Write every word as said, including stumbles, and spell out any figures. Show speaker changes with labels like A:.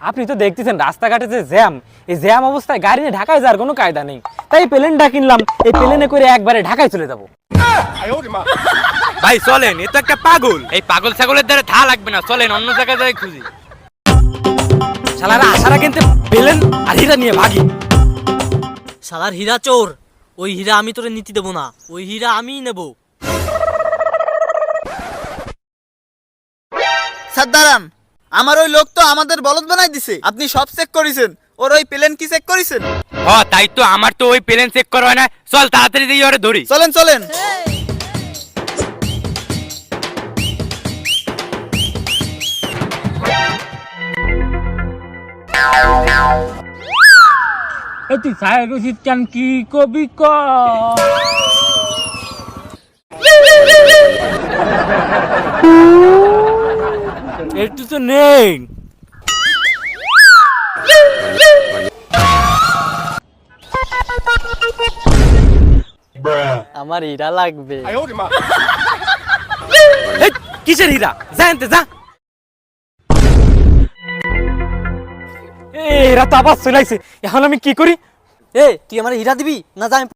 A: আপনি তো দেখতেছেন রাস্তাঘাটে যে জ্যাম, এই জ্যাম অবস্থায় গাড়ি নিয়ে ঢাকায় যাওয়ার কোনো কায়দা নেই, তাই প্লেনটা কিনলাম। এই প্লেনে করে একবারে ঢাকায় চলে যাবো।
B: ভাই চলেন, এ তো একটা পাগল। এই পাগল ছাগলের দ্বারা থা লাগবে না, চলেন অন্য জায়গায় যাই খুঁজি।
A: শালারা আসারা কিনতে প্লেন আর হীরা নিয়ে ভাগি।
C: শালার হীরা চোর, ওই হীরা আমি তোরে নীতি দেবো না, ওই হীরা আমিই নেব।
D: স্যার দাঁড়ান, আমার ওই লোক তো আমাদের বলদ বানাই দিছে। আপনি সব চেক করেছেন, ওর ওই প্লেন কি চেক করেছেন?
B: হ তাই তো, আমার তো ওই প্লেন চেক করা হয় না। চল তাড়াতাড়ি দিয়ে ওরে ধরি।
D: চলেন চলেন।
A: তুই সাহেব রশিদ চান কি কবি ক একটু তো নেই।
C: আমার হীরা লাগবে।
A: এই, কিসের হীরা? জানতে যা। এরা তো আবার চলাইছে, এখন আমি কি করি?
C: এ তুই আমার হীরা দিবি না? যা আমি